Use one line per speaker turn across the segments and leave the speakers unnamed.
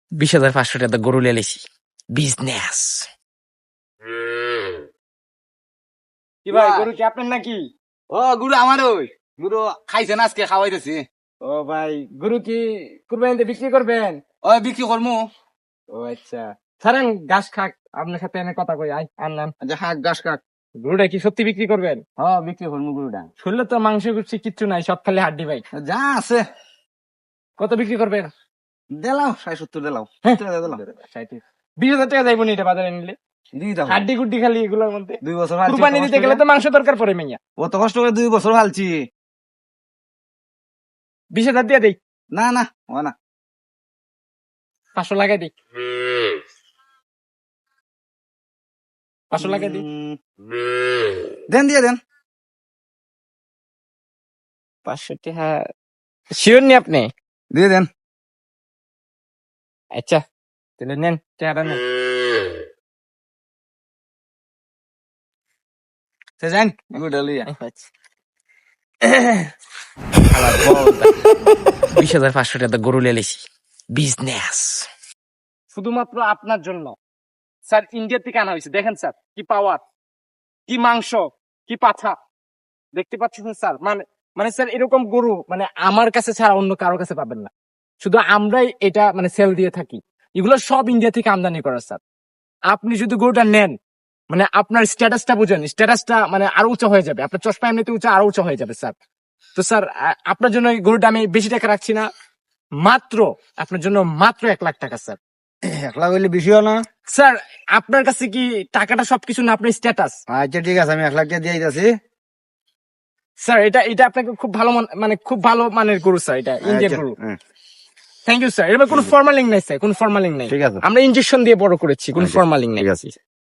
20,500 টাকা গরু লেছি বিজনেস।
কি ভাই গরু কি আপনার নাকি?
ও গুরু আমার ওই গুরু খাইছেন আজকে খাওয়াইতেছি।
ও ভাই গরু কি কুরবানিতে বিক্রি করবেন?
ওই বিক্রি করমু।
ও আচ্ছা, ছাড়েন ঘাস খাক, আপনার সাথে এনে কথা কই। আনলাম
আচ্ছা হাক গাছ কাক।
গরুটা কি সত্যি বিক্রি করবেন?
হ্যাঁ বিক্রি করমু গুরুটা।
শুনলে তো মাংস কুচি কিচ্ছু নাই, সব খালি হাড্ডি ভাই।
যা আছে
কত বিক্রি করবেন?
দিলাও 60-70 দিলাও।
হ্যাঁ।
দিলাম
20,000 টাকা যাইব নি এটা বাজারে নিলে?
দিয়ে দাও।
হাড্ডি গুড্ডি খালি এগুলোর মধ্যে
2 বছর হালছি।
কুরবানি দিতে গেলে তো মাংস দরকার পড়ে মাইয়া।
অত কষ্ট করে 2 বছর হালছি।
20,000 দিয়ে দেই।
না না ও না
500 লাগাই দিই। 500 লাগাই দিই।
দেন দিয়ে দেন।
500 টাকা শিওর নি আপনি?
দিয়ে দেন।
আচ্ছা তাহলে নেন টাকাটা নেন।
সে যান গুরুটা লইয়া।
20,500 টাকা গরু লেছি বিজনেস।
শুধুমাত্র আপনার জন্য স্যার ইন্ডিয়া থেকে আনা হয়েছে। দেখেন স্যার কি পাওয়ার, কি মাংস, কি পাছা দেখতে পাচ্ছেন স্যার। মানে মানে স্যার এরকম গরু মানে আমার কাছে ছাড়া অন্য কারো কাছে পাবেন না। শুধু আমরাই এটা মানে সেল দিয়ে থাকি। এগুলো সব ইন্ডিয়া থেকে আমদানি করা স্যার। আপনি যদি গরুটা নেন মানে আপনার স্ট্যাটাসটা বুঝেন, স্ট্যাটাসটা মানে আরো উঁচা হয়ে যাবে, আপনার চশমা এমনিতে উঁচা আরো উঁচা হয়ে যাবে স্যার। তো স্যার আপনার জন্য এই গরুটা আমি বেশি টাকা রাখছি না, মাত্র আপনার জন্য মাত্র 1,00,000 টাকা স্যার।
1 লাখ হইলে বেশিও না।
স্যার আপনার কাছে কি টাকাটা সবকিছু না, আপনার স্ট্যাটাস?
আচ্ছা ঠিক আছে আমি 1 লাখ টাকা দিয়ে দিতেছি।
স্যার এটা এটা আপনাকে খুব ভালো মানে খুব ভালো মানের গরু স্যার, এটা ইন্ডিয়ান গরু। Thank you sir. এবার কোনো ফর্মালিং নাই স্যার, কোনো ফর্মালিং নাই।
ঠিক আছে।
আমরা ইনজেকশন দিয়ে বড় করেছি, কোনো ফর্মালিং নাই।
ঠিক আছে।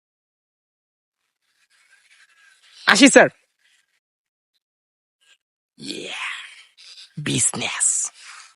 আসি স্যার।
বিজনেস।